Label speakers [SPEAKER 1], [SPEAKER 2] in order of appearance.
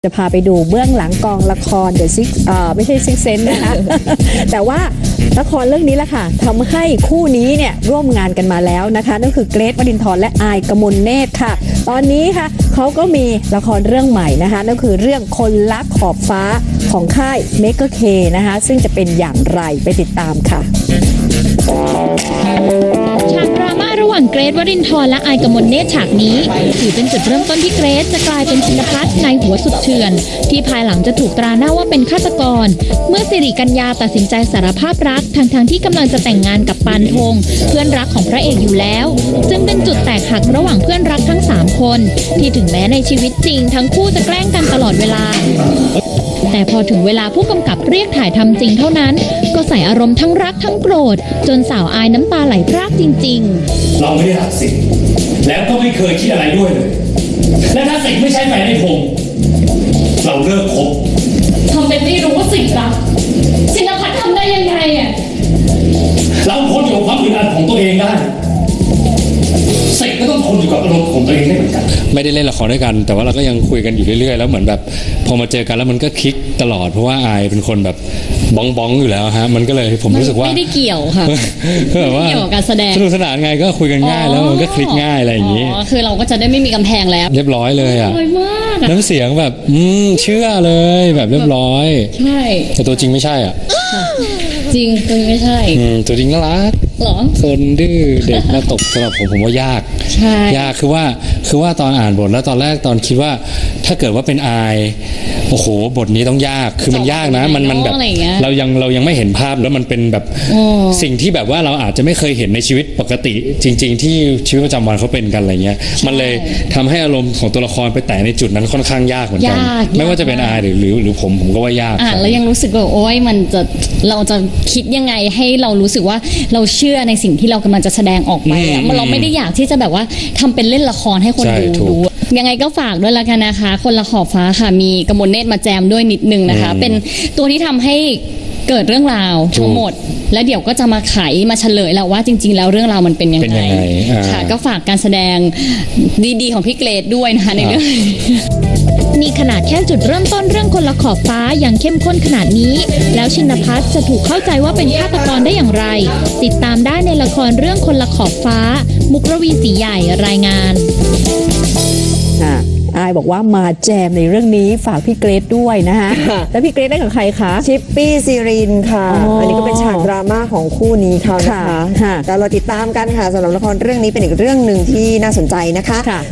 [SPEAKER 1] จะพาไปดูเบื้องหลังกองละครเดอะซิกไม่ใช่ซิกเซนนะคะ แต่ว่าละครเรื่องนี้แหละค่ะทำให้คู่นี้เนี่ยร่วมงานกันมาแล้วนะคะนั่นคือเกรท วรินทร์และอายกมลเนตรค่ะตอนนี้ค่ะเขาก็มีละครเรื่องใหม่นะคะนั่นคือเรื่องคนรักขอบฟ้าของค่ายเมกเคนะคะซึ่งจะเป็นอย่างไรไปติดตามค่ะ
[SPEAKER 2] ฉากดราม่าระหว่างเกรท วรินทร์และอายกมลเนตรฉากนี้ถือเป็นจุดเริ่มต้นที่เกรทจะกลายเป็นชินภัทรในหัวสุดเถื่อนที่ภายหลังจะถูกตราหน้าว่าเป็นฆาตกรเมื่อสิริกัญญาตัดสินใจสารภาพรักทั้งที่กำลังจะแต่งงานกับปานธงเพื่อนรักของพระเอกอยู่แล้วจึงเป็นจุดแตกหักระหว่างเพื่อนรักทั้ง3คนที่ถึงแม้ในชีวิตจริงทั้งคู่จะแกล้งกันตลอดเวลาแต่พอถึงเวลาผู้กำกับเรียกถ่ายทำจริงเท่านั้นก็ใส่อารมณ์ทั้งรักทั้งโกรธจนสาวอายน้ำตาไหลพรากจริงๆ
[SPEAKER 3] เราไม่ได้รักสิทธิ์แล้วก็ไม่เคยคิดอะไรด้วยเลยและถ้าสิทธิ์ไม่ใช่แฟนในผมเราเลิกคบ
[SPEAKER 4] ทำเป็นไม่รู้ว่าสิทธิ์รักชินภัทรทำได้ยังไงอ่ะ
[SPEAKER 3] เราทนอยู่กับความอึดอัดของตัวเองได้สิทธิ์ก็ต้องทนอยู่กับอารมณ์ของตัวเองได้เหมือนกัน
[SPEAKER 5] ไม่ได้เล่นละครด้วยกันแต่ว่าเราก็ยังคุยกันอยู่เรื่อยๆแล้วเหมือนแบบพอมาเจอกันแล้วมันก็คลิกตลอดเพราะว่าอายเป็นคนแบบบ้องอยู่แล้วฮะมันก็เลยผมรู้สึกว่า
[SPEAKER 2] ไม่ได้เกี่ยวค่ะ
[SPEAKER 5] แบบว่า
[SPEAKER 2] เกี่ยวกับการแสดง
[SPEAKER 5] สนุกสนานไงก็คุยกันง่ายแล้วมันก็คลิกง่ายอะไรอย่างนี้
[SPEAKER 2] คือเราก็จะได้ไม่มีกำแพงแล้ว
[SPEAKER 5] เรียบร้อยเลยอ่ะ
[SPEAKER 2] สวยมาก
[SPEAKER 5] น้ำเสียงแบบเชื่อเลยแบบเรียบร้อย
[SPEAKER 2] ใช่
[SPEAKER 5] แต่ตัวจริงไม่ใช่อ่ะ
[SPEAKER 2] จริงตัวไม่ใช่
[SPEAKER 5] ตัวจริงน่ารัก
[SPEAKER 2] หรอ
[SPEAKER 5] คนดื้อเด็กมาตกสำหรับผมว่ายาก
[SPEAKER 2] ใช่
[SPEAKER 5] ยากคือว่าตอนอ่านบทแล้วตอนแรกตอนคิดว่าถ้าเกิดว่าเป็นอายโอ้โหบทนี้ต้องยากคือมันยากนะมันแบบเรายังไม่เห็นภาพแล้วมันเป็นแบบสิ่งที่แบบว่าเราอาจจะไม่เคยเห็นในชีวิตปกติจริงๆที่ชีวิตประจำวันเขาเป็นกันอะไรเงี้ยมันเลยทำให้อารมณ์ของตัวละครไปแตะในจุดนั้นค่อนข้างยากเหมือนกันไม่ว่าจะเป็นอายหรือผมก็ว่ายาก
[SPEAKER 2] แล้วยังรู้สึกว่าโอ๊ยเราจะคิดยังไงให้เรารู้สึกว่าเราเชื่อในสิ่งที่เรากำลังจะแสดงออกไปเราไม่ได้อยากที่จะแบบว่าทำเป็นเล่นละครให้คนดูยังไงก็ฝากด้วยละกันนะคะคนละขอบฟ้าค่ะมีกมลเนตรมาแจมด้วยนิดนึงนะคะเป็นตัวที่ทำให้เกิดเรื่องราวทั้งหมดแล้วเดี๋ยวก็จะมาไขมาเฉลยแล้วว่าจริงๆแล้วเรื่องราวมันเป็นยังไงค่ะก็ฝากการแสดงดีๆของพี่เกรทด้วยนะคะในเรื่องนี่ขนาดแค่จุดเริ่มต้นเรื่องคนละขอบฟ้ายังเข้มข้นขนาดนี้แล้วชินภัทรจะถูกเข้าใจว่าเป็นฆาตกรได้อย่างไรติดตามได้ในละครเรื่องคนละขอบฟ้ามุกรวีศรีใหญ่รายงาน
[SPEAKER 1] อายบอกว่ามาแจมในเรื่องนี้ฝากพี่เกรทด้วยนะคะแล้วพี่เกรทได้กับใครคะ
[SPEAKER 6] ชิปปี้ซีรินค่ะ อันนี้ก็เป็นฉากดราม่าของคู่นี้เขานะคะแต่เราติดตามกันค่ะสำหรับละครเรื่องนี้เป็นอีกเรื่องหนึ่งที่น่าสนใจนะคะ